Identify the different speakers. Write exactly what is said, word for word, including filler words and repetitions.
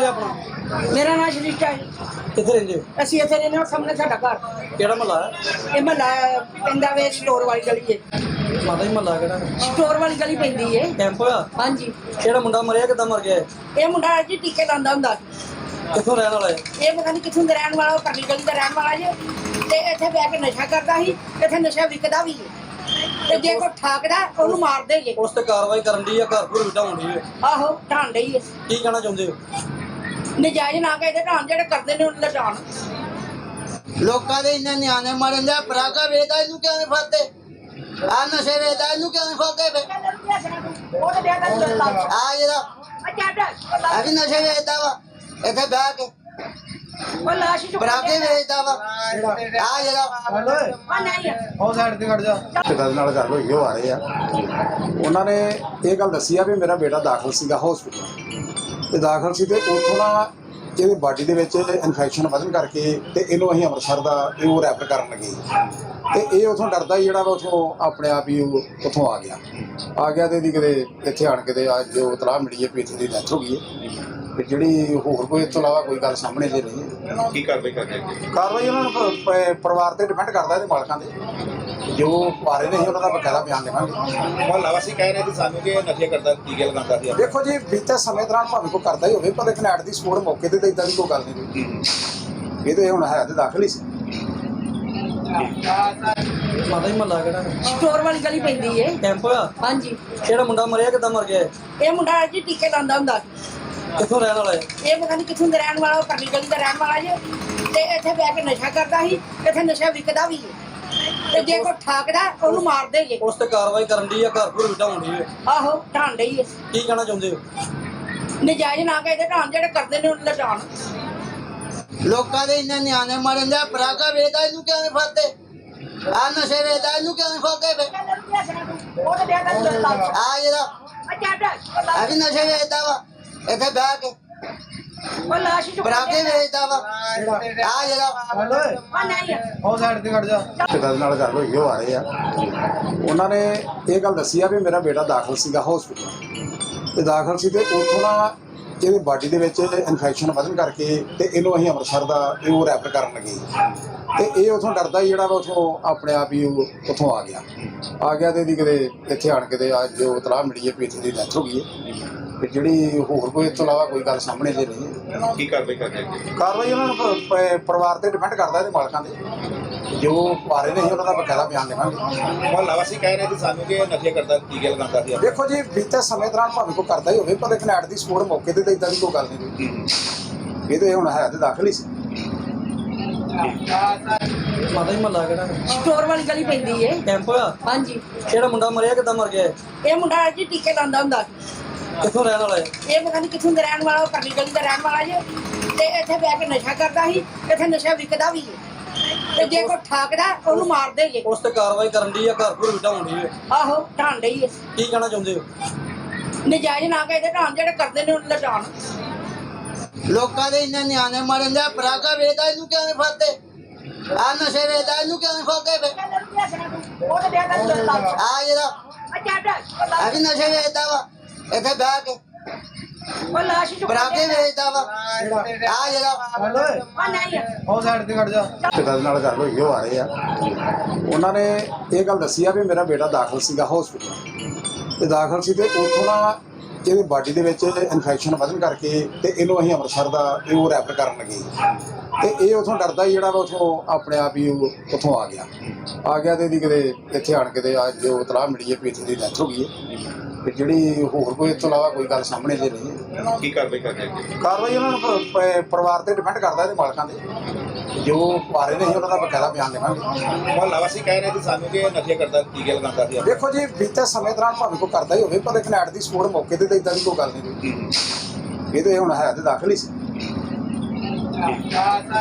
Speaker 1: ਨਾਂ ਹੈ ਆਪਣਾ?
Speaker 2: मेरा नाम श्रिष्टा है।
Speaker 1: ਕਿੱਥੇ ਰਹਿੰਦੇ ਹੋ?
Speaker 2: ਅਸੀਂ ਇੱਥੇ ਰਹਿੰਦੇ ਹਾਂ ਸਾਹਮਣੇ ਸਾਡਾ ਘਰ।
Speaker 1: ਕਿਹੜਾ ਮਹੱਲਾ ਹੈ?
Speaker 2: ਇਹ ਮਹੱਲਾ ਪੈਂਦਾ ਵੇ ਸਟੋਰ ਵਾਲੀ ਗਲੀ ਹੈ।
Speaker 1: ਮਾਤਾ ਜੀ ਮਹੱਲਾ ਕਿਹੜਾ?
Speaker 2: ਸਟੋਰ ਵਾਲੀ ਗਲੀ ਪੈਂਦੀ ਹੈ।
Speaker 1: ਕੈਂਪ ਹੋਇਆ?
Speaker 2: ਹਾਂਜੀ।
Speaker 1: ਕਿਹੜਾ ਮੁੰਡਾ ਮਰਿਆ, ਕਿੱਦਾਂ ਮਰ ਗਿਆ?
Speaker 2: ਇਹ ਮੁੰਡਾ ਜੀ ਟੀਕੇ ਲਾਉਂਦਾ ਹੁੰਦਾ।
Speaker 1: ਕਿੱਥੋਂ ਰਹਿਣ ਵਾਲਾ ਹੈ?
Speaker 2: ਇਹ ਪਤਾ ਨਹੀਂ ਕਿੱਥੋਂ ਦਾ ਰਹਿਣ ਵਾਲਾ, ਉਹ ਪਰਲੀ ਗਲੀ ਦਾ ਰਹਿਣ ਵਾਲਾ ਜੀ। ਤੇ ਇੱਥੇ ਬਹਿ ਕੇ ਨਸ਼ਾ ਕਰਦਾ ਸੀ, ਇੱਥੇ ਨਸ਼ਾ ਵਿਕਦਾ ਵੀ ਹੈ। ਤੇ ਜੇ ਕੋਈ ਠਾਕਦਾ ਉਹਨੂੰ ਮਾਰ ਦੇਗੇ।
Speaker 1: ਉਸ ਤੇ ਕਾਰਵਾਈ ਕਰਨ ਦੀ ਆ, ਘਰ ਘਰ ਵਿਟਾਉਣ ਦੀ ਹੈ।
Speaker 2: ਆਹੋ ਢਾਣ ਡਈ ਹੈ।
Speaker 1: ਕੀ ਕਹਿਣਾ ਚਾਹੁੰਦੇ ਹੋ?
Speaker 2: ਨਜਾਇਜ਼ ਨਾ ਕਹਿੰਦੇ ਢਾਣ, ਜਿਹੜੇ ਕਰਦੇ ਨੇ ਉਹਨਾਂ ਦਾ ਢਾਣ।
Speaker 3: ਲੋਕਾਂ ਦੇ ਇੰਨੇ ਨਿਆਣੇ ਮਰਨ ਦੇ, ਪਰਾਗਾ ਵੇਚਦਾ ਇਹਨੂੰ ਕਿਉਂ ਨਹੀਂ ਫੜਦੇ? ਆ ਨਸ਼ੇ ਵੇਚਦਾ ਇਹਨੂੰ ਕਿਉਂ ਨਹੀਂ ਫੜਦੇ ਵੇ? ਆ ਜਿਹੜਾ ਆ ਵੀ ਨਸ਼ੇ ਵੇਚਦਾ ਵਾ ਇੱਥੇ ਬਹਿ ਕੇ,
Speaker 2: ਉਹ ਲਾਸ਼
Speaker 3: ਪਰਾਗੇ ਵੇਚਦਾ ਵਾ ਆ ਜਿਹੜਾ।
Speaker 4: ਉਹ ਸਾਈਡ ਤੇ ਖੜ ਜਾ। ਪਿਤਾ ਨਾਲ ਗੱਲ ਹੋਈ, ਉਹ ਆ ਰਹੇ ਆ। ਉਹਨਾਂ ਨੇ ਇਹ ਗੱਲ ਦੱਸੀ ਆ ਵੀ ਮੇਰਾ ਬੇਟਾ ਦਾਖਲ ਸੀਗਾ ਹਸਪੀਟਲ ਤੇ ਦਾਖਲ ਸੀ ਤੇ ਉੱਥੋਂ ਨਾ ਇਹਦੀ ਬਾਡੀ ਦੇ ਵਿੱਚ ਇਨਫੈਕਸ਼ਨ ਵਧਣ ਕਰਕੇ ਤੇ ਇਹਨੂੰ ਅਸੀਂ ਅੰਮ੍ਰਿਤਸਰ ਦਾ ਇਹ ਉਹ ਰੈਫਰ ਕਰਨ ਲੱਗੇ ਤੇ ਇਹ ਉਥੋਂ ਡਰਦਾ ਹੀ ਜਿਹੜਾ ਵਾ ਉਥੋਂ ਆਪਣੇ ਆਪ ਹੀ ਉਹ ਉੱਥੋਂ ਆ ਗਿਆ ਆ ਗਿਆ ਤੇ ਇਹਦੀ ਕਿਤੇ ਇੱਥੇ ਆਣ ਕੇ ਤੇ ਅੱਜ ਜੋ ਇਤਲਾਹ ਮਿਲੀ ਹੈ ਵੀ ਇੱਥੇ ਦੀ ਡੈਥ ਹੋ ਗਈ ਹੈ। ਤੇ ਜਿਹੜੀ ਹੋਰ ਕੋਈ ਇਸ ਤੋਂ ਇਲਾਵਾ ਕੋਈ ਗੱਲ ਸਾਹਮਣੇ ਜੇ ਨਹੀਂ ਹੈ।
Speaker 5: ਕੀ ਕਾਰਵਾਈ ਕਰਦੇ ਅੱਗੇ?
Speaker 4: ਕਾਰਵਾਈ ਉਹਨਾਂ ਨੂੰ ਪ- ਪ- ਪਰਿਵਾਰ ਤੇ ਡਿਪੈਂਡ ਕਰਦਾ ਇਹਦੇ ਮਾਲਕਾਂ ਦੇ, ਜੋ ਪਾਰੇ ਨੇ ਉਹਨਾਂ ਦਾ ਬਕਾਇਦਾ ਬਿਆਨ ਦੇਵਾਂਗੇ।
Speaker 5: ਮੁਹੱਲਾ ਵਾਸੀ ਕਹਿ ਰਹੇ ਸੀ ਸਾਨੂੰ ਕਿ ਨਸ਼ੇ ਕਰਦਾ, ਟੀਕੇ ਲਗਾਉਂਦਾ ਸੀ।
Speaker 4: ਦੇਖੋ ਜੀ, ਬੀਤੇ ਸਮੇਂ ਦੌਰਾਨ ਭਾਵੇਂ ਕੋਈ ਕਰਦਾ ਹੀ ਹੋਵੇ, ਪਰ ਲੇਕਿਨ ਐਟ ਦੀ ਸਪੋਰਟ ਮੌਕੇ ਤੇ ਤਾਂ ਇਦਾਂ ਦੀ ਕੋਈ ਗੱਲ ਨਹੀਂ ਹੋਈ। ਇਹ ਤੇ ਹੁਣ ਹੈ ਤੇ ਦਾਖਲ ਹੀ ਸੀ।
Speaker 1: ਮਾਤਾ ਜੀ ਮਹੱਲਾ ਕਿਹੜਾ?
Speaker 2: ਸਟੋਰ ਵਾਲੀ ਗਲੀ ਪੈਂਦੀ ਹੈ।
Speaker 1: ਕੈਂਪ ਹੋਇਆ?
Speaker 2: ਹਾਂਜੀ।
Speaker 1: ਕਿਹੜਾ ਮੁੰਡਾ ਮਰਿਆ, ਕਿੱਦਾਂ ਮਰ ਗਿਆ?
Speaker 2: ਇਹ ਮੁੰਡਾ ਜੀ ਟੀਕੇ ਲਾਉਂਦਾ ਹੁੰਦਾ।
Speaker 1: ਕਿੱਥੋਂ ਰਹਿਣ ਵਾਲਾ ਹੈ?
Speaker 2: ਇਹ ਪਤਾ ਨਹੀਂ ਕਿੱਥੋਂ ਦਾ ਰਹਿਣ ਵਾਲਾ, ਉਹ ਪਰਲੀ ਗਲੀ ਦਾ ਰਹਿਣ ਵਾਲਾ ਜੀ। ਤੇ ਇੱਥੇ ਬਹਿ ਕੇ ਨਸ਼ਾ ਕਰਦਾ ਸੀ, ਇੱਥੇ ਨਸ਼ਾ ਵਿਕਦਾ ਵੀ ਹੈ। ਤੇ ਜੇ ਕੋਈ ਠਾਕਦਾ ਉਹਨੂੰ ਮਾਰ ਦੇਗੇ।
Speaker 1: ਉਸ ਤੇ ਕਾਰਵਾਈ ਕਰਨ ਦੀ ਆ, ਘਰ ਘਰ ਵਿਟਾਉਣ ਦੀ ਹੈ।
Speaker 2: ਆਹੋ ਢਾਣ ਡਈ ਹੈ।
Speaker 1: ਕੀ ਕਹਿਣਾ ਚਾਹੁੰਦੇ ਹੋ?
Speaker 2: ਨਜਾਇਜ਼ ਨਾ ਕਹਿੰਦੇ ਢਾਣ, ਜਿਹੜੇ ਕਰਦੇ ਨੇ ਉਹਨਾਂ ਦਾ ਢਾਣ।
Speaker 3: ਲੋਕਾਂ ਦੇ ਇੰਨੇ ਨਿਆਣੇ ਮਰਨ ਦੇ, ਪਰਾਗਾ ਵੇਚਦਾ ਇਹਨੂੰ ਕਿਉਂ ਨਹੀਂ ਫੜਦੇ? ਆ ਨਸ਼ੇ ਵੇਚਦਾ ਇਹਨੂੰ ਕਿਉਂ ਨਹੀਂ ਫੜਦੇ ਵੇ? ਆ ਜਿਹੜਾ ਆ ਵੀ ਨਸ਼ੇ ਵੇਚਦਾ ਵਾ ਇੱਥੇ ਬਹਿ ਕੇ,
Speaker 2: ਉਹ ਲਾਸ਼
Speaker 3: ਪਰਾਗੇ ਵੇਚਦਾ ਵਾ ਆ ਜਿਹੜਾ।
Speaker 4: ਉਹ ਸਾਈਡ ਤੇ ਖੜ ਜਾ। ਪਿਤਾ ਨਾਲ ਗੱਲ ਹੋਈ, ਉਹ ਆ ਰਹੇ ਆ। ਉਹਨਾਂ ਨੇ ਇਹ ਗੱਲ ਦੱਸੀ ਆ ਵੀ ਮੇਰਾ ਬੇਟਾ ਦਾਖਲ ਸੀਗਾ ਹਸਪੀਟਲ ਤੇ ਦਾਖਲ ਸੀ ਤੇ ਉੱਥੋਂ ਨਾ ਇਹਦੀ ਬਾਡੀ ਦੇ ਵਿੱਚ ਇਨਫੈਕਸ਼ਨ ਵਧਣ ਕਰਕੇ ਤੇ ਇਹਨੂੰ ਅਸੀਂ ਅੰਮ੍ਰਿਤਸਰ ਦਾ ਇਹ ਉਹ ਰੈਫਰ ਕਰਨ ਲੱਗੇ ਤੇ ਇਹ ਉਥੋਂ ਡਰਦਾ ਹੀ ਜਿਹੜਾ ਵਾ ਉਥੋਂ ਆਪਣੇ ਆਪ ਹੀ ਉਹ ਉੱਥੋਂ ਆ ਗਿਆ ਆ ਗਿਆ ਤੇ ਇਹਦੀ ਕਿਤੇ ਇੱਥੇ ਆਣ ਕੇ ਤੇ ਅੱਜ ਜੋ ਇਤਲਾਹ ਮਿਲੀ ਹੈ ਵੀ ਇੱਥੇ ਦੀ ਡੈਥ ਹੋ ਗਈ ਹੈ। ਤੇ ਜਿਹੜੀ ਹੋਰ ਕੋਈ ਇਸ ਤੋਂ ਇਲਾਵਾ ਕੋਈ ਗੱਲ ਸਾਹਮਣੇ ਜੇ ਨਹੀਂ ਹੈ।
Speaker 5: ਕੀ ਕਾਰਵਾਈ ਕਰਦੇ ਅੱਗੇ?
Speaker 4: ਕਾਰਵਾਈ ਉਹਨਾਂ ਨੂੰ ਪ- ਪ- ਪਰਿਵਾਰ ਤੇ ਡਿਪੈਂਡ ਕਰਦਾ ਇਹਦੇ ਮਾਲਕਾਂ ਦੇ, ਜੋ ਪਾਰੇ ਨੇ ਉਹਨਾਂ ਦਾ ਬਕਾਇਦਾ ਬਿਆਨ ਦੇਵਾਂਗੇ।
Speaker 5: ਮੁਹੱਲਾ ਵਾਸੀ ਕਹਿ ਰਹੇ ਸੀ ਸਾਨੂੰ ਕਿ ਨਸ਼ੇ ਕਰਦਾ, ਟੀਕੇ ਲਗਾਉਂਦਾ ਸੀ।
Speaker 4: ਦੇਖੋ ਜੀ, ਬੀਤੇ ਸਮੇਂ ਦੌਰਾਨ ਭਾਵੇਂ ਕੋਈ ਕਰਦਾ ਹੀ ਹੋਵੇ, ਪਰ ਲੇਕਿਨ ਐਟ ਦੀ ਸਪੋਰਟ ਮੌਕੇ ਤੇ ਤਾਂ ਇਦਾਂ ਦੀ ਕੋਈ ਗੱਲ ਨਹੀਂ ਹੋਈ। ਇਹ ਤੇ ਹੁਣ ਹੈ ਤੇ ਦਾਖਲ ਹੀ ਸੀ।
Speaker 1: ਮਾਤਾ ਜੀ ਮਹੱਲਾ ਕਿਹੜਾ?
Speaker 2: ਸਟੋਰ ਵਾਲੀ ਗਲੀ ਪੈਂਦੀ ਹੈ।
Speaker 1: ਕੈਂਪ ਹੋਇਆ?
Speaker 2: ਹਾਂਜੀ।
Speaker 1: ਕਿਹੜਾ ਮੁੰਡਾ ਮਰਿਆ, ਕਿੱਦਾਂ ਮਰ ਗਿਆ?
Speaker 2: ਇਹ ਮੁੰਡਾ ਜੀ ਟੀਕੇ ਲਾਉਂਦਾ ਹੁੰਦਾ।
Speaker 1: ਕਿੱਥੋਂ ਰਹਿਣ ਵਾਲਾ ਹੈ?
Speaker 2: ਇਹ ਪਤਾ ਨਹੀਂ ਕਿੱਥੋਂ ਦਾ ਰਹਿਣ ਵਾਲਾ, ਉਹ ਪਰਲੀ ਗਲੀ ਦਾ ਰਹਿਣ ਵਾਲਾ ਜੀ। ਤੇ ਇੱਥੇ ਬਹਿ ਕੇ ਨਸ਼ਾ ਕਰਦਾ ਸੀ, ਇੱਥੇ ਨਸ਼ਾ ਵਿਕਦਾ ਵੀ ਹੈ। ਤੇ ਜੇ ਕੋਈ ਠਾਕਦਾ ਉਹਨੂੰ ਮਾਰ ਦੇਗੇ।
Speaker 1: ਉਸ ਤੇ ਕਾਰਵਾਈ ਕਰਨ ਦੀ ਆ, ਘਰ ਘਰ ਵਿਟਾਉਣ ਦੀ ਹੈ।
Speaker 2: ਆਹੋ ਢਾਣ ਡਈ ਹੈ।
Speaker 1: ਕੀ ਕਹਿਣਾ ਚਾਹੁੰਦੇ ਹੋ?
Speaker 2: ਨਜਾਇਜ਼ ਨਾ ਕਹਿੰਦੇ ਢਾਣ, ਜਿਹੜੇ ਕਰਦੇ ਨੇ ਉਹਨਾਂ ਦਾ ਢਾਣ।
Speaker 3: ਲੋਕਾਂ ਦੇ ਇੰਨੇ ਨਿਆਣੇ ਮਰਨ ਦੇ, ਪਰਾਗਾ ਵੇਚਦਾ ਇਹਨੂੰ ਕਿਉਂ ਨਹੀਂ ਫੜਦੇ? ਆ ਨਸ਼ੇ ਵੇਚਦਾ ਇਹਨੂੰ ਕਿਉਂ ਨਹੀਂ ਫੜਦੇ ਵੇ? ਆ ਜਿਹੜਾ ਆ ਵੀ ਨਸ਼ੇ ਵੇਚਦਾ ਵਾ ਇੱਥੇ ਬਹਿ ਕੇ,
Speaker 2: ਉਹ ਲਾਸ਼
Speaker 3: ਪਰਾਗੇ ਵੇਚਦਾ ਵਾ ਆ ਜਿਹੜਾ।
Speaker 4: ਉਹ ਸਾਈਡ ਤੇ ਖੜ ਜਾ। ਪਿਤਾ ਨਾਲ ਗੱਲ ਹੋਈ, ਉਹ ਆ ਰਹੇ ਆ। ਉਹਨਾਂ ਨੇ ਇਹ ਗੱਲ ਦੱਸੀ ਆ ਵੀ ਮੇਰਾ ਬੇਟਾ ਦਾਖਲ ਸੀਗਾ ਹਸਪੀਟਲ ਤੇ ਦਾਖਲ ਸੀ ਤੇ ਉੱਥੋਂ ਨਾ ਇਹਦੀ ਬਾਡੀ ਦੇ ਵਿੱਚ ਇਨਫੈਕਸ਼ਨ ਵਧਣ ਕਰਕੇ ਤੇ ਇਹਨੂੰ ਅਸੀਂ ਅੰਮ੍ਰਿਤਸਰ ਦਾ ਇਹ ਉਹ ਰੈਫਰ ਕਰਨ ਲੱਗੇ ਤੇ ਇਹ ਉਥੋਂ ਡਰਦਾ ਹੀ ਜਿਹੜਾ ਵਾ ਉਥੋਂ ਆਪਣੇ ਆਪ ਹੀ ਉਹ ਉੱਥੋਂ ਆ ਗਿਆ ਆ ਗਿਆ ਤੇ ਇਹਦੀ ਕਿਤੇ ਇੱਥੇ ਆਣ ਕੇ ਤੇ ਅੱਜ ਜੋ ਇਤਲਾਹ ਮਿਲੀ ਹੈ ਵੀ ਇੱਥੇ ਦੀ ਡੈਥ ਹੋ ਗਈ ਹੈ। ਤੇ ਜਿਹੜੀ ਹੋਰ ਕੋਈ ਇਸ ਤੋਂ ਇਲਾਵਾ ਕੋਈ ਗੱਲ ਸਾਹਮਣੇ ਜੇ ਨਹੀਂ ਹੈ।
Speaker 5: ਕੀ ਕਾਰਵਾਈ ਕਰਦੇ ਅੱਗੇ?
Speaker 4: ਕਾਰਵਾਈ ਉਹਨਾਂ ਨੂੰ ਪ- ਪ- ਪਰਿਵਾਰ ਤੇ ਡਿਪੈਂਡ ਕਰਦਾ ਇਹਦੇ ਮਾਲਕਾਂ ਦੇ, ਜੋ ਪਾਰੇ ਨੇ ਉਹਨਾਂ ਦਾ ਬਕਾਇਦਾ ਬਿਆਨ ਦੇਵਾਂਗੇ।
Speaker 5: ਮੁਹੱਲਾ ਵਾਸੀ ਕਹਿ ਰਹੇ ਸੀ ਸਾਨੂੰ ਕਿ ਨਸ਼ੇ ਕਰਦਾ, ਟੀਕੇ ਲਗਾਉਂਦਾ ਸੀ।
Speaker 4: ਦੇਖੋ ਜੀ, ਬੀਤੇ ਸਮੇਂ ਦੌਰਾਨ ਭਾਵੇਂ ਕੋਈ ਕਰਦਾ ਹੀ ਹੋਵੇ, ਪਰ ਲੇਕਿਨ ਐਟ ਦੀ ਸਪੋਰਟ ਮੌਕੇ ਤੇ ਤਾਂ ਇਦਾਂ ਦੀ ਕੋਈ ਗੱਲ ਨਹੀਂ ਹੋਈ। ਇਹ ਤੇ ਹੁਣ ਹੈ ਤੇ ਦਾਖਲ ਹੀ ਸੀ।